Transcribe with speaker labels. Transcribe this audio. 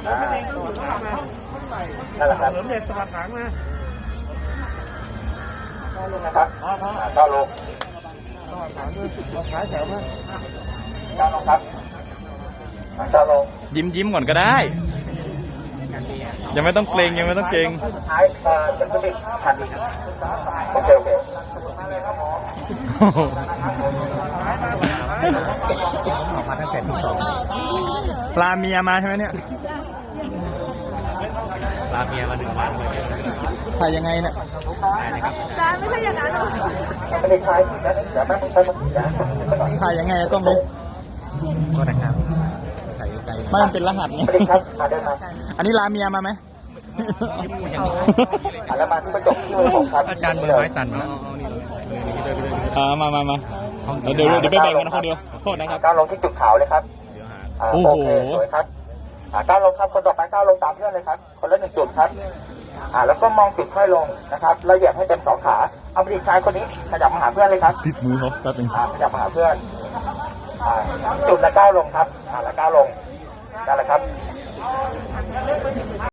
Speaker 1: นั่นแหละครับ
Speaker 2: เหลือเด็ดสวัสดิ์ถังนะ
Speaker 1: นะครับก้าวลง
Speaker 2: สวัสดิ์ถังด้วยขายแถวนะ
Speaker 1: ก้าวลงครับก้าวลง
Speaker 3: ยิ้มก่อนก็ได้ ยังไม่ต้องเกรงยังไม่ต้องเกรง
Speaker 1: สุดท้ายจะขึ้นอีกทันทีโอเค
Speaker 2: ออกมาตั้งแต่ที่สอง
Speaker 3: ปลาเมียมาใช่ไหมเนี่ย
Speaker 2: ลาเมียมา1 วันเลย
Speaker 3: ถ่ายยังไงเนี่ย
Speaker 4: จานไม่ใช่อย่างนั้นหรอก
Speaker 1: ไม่ได้ใช้นะเดี๋ยวแป๊บนึงไป
Speaker 3: ถ่ายยังไงต้องนี้
Speaker 2: ก็นะครับถ่ายไกล
Speaker 3: ไม่มันเป็นรหัสไง
Speaker 1: ไม่ได้ครับเดินมา
Speaker 3: อันนี้ลาเมียมาไหม
Speaker 1: แล้วมาที่กระจกที่มือผมครับ
Speaker 2: อาจารย์มือไม้สั่นมาแล้ว
Speaker 3: มาเดี๋ยวไปแบ่งกันคนเดียวโทษนะครับ
Speaker 1: ก้าวลงที่จุดขาวเลยครับ
Speaker 3: โอ้โห
Speaker 1: โอเคสวยครับก้าวลงครับคนต่อไปก้าวลงตามเพื่อนเลยครับคนละ1 จุดครับแล้วก็มองจุดค่อยลงนะครับแล้วเหยียบให้เต็ม2 ขาเอาไปอีกชายคนนี้ขยับมาหาเพื่อนเลยครับ
Speaker 3: ติดมือเขาแป๊บนึง
Speaker 1: ขยับมาหาเพื่อนจุดละก้าวลงครับแล้วก้าวลงนั่นแหละครับ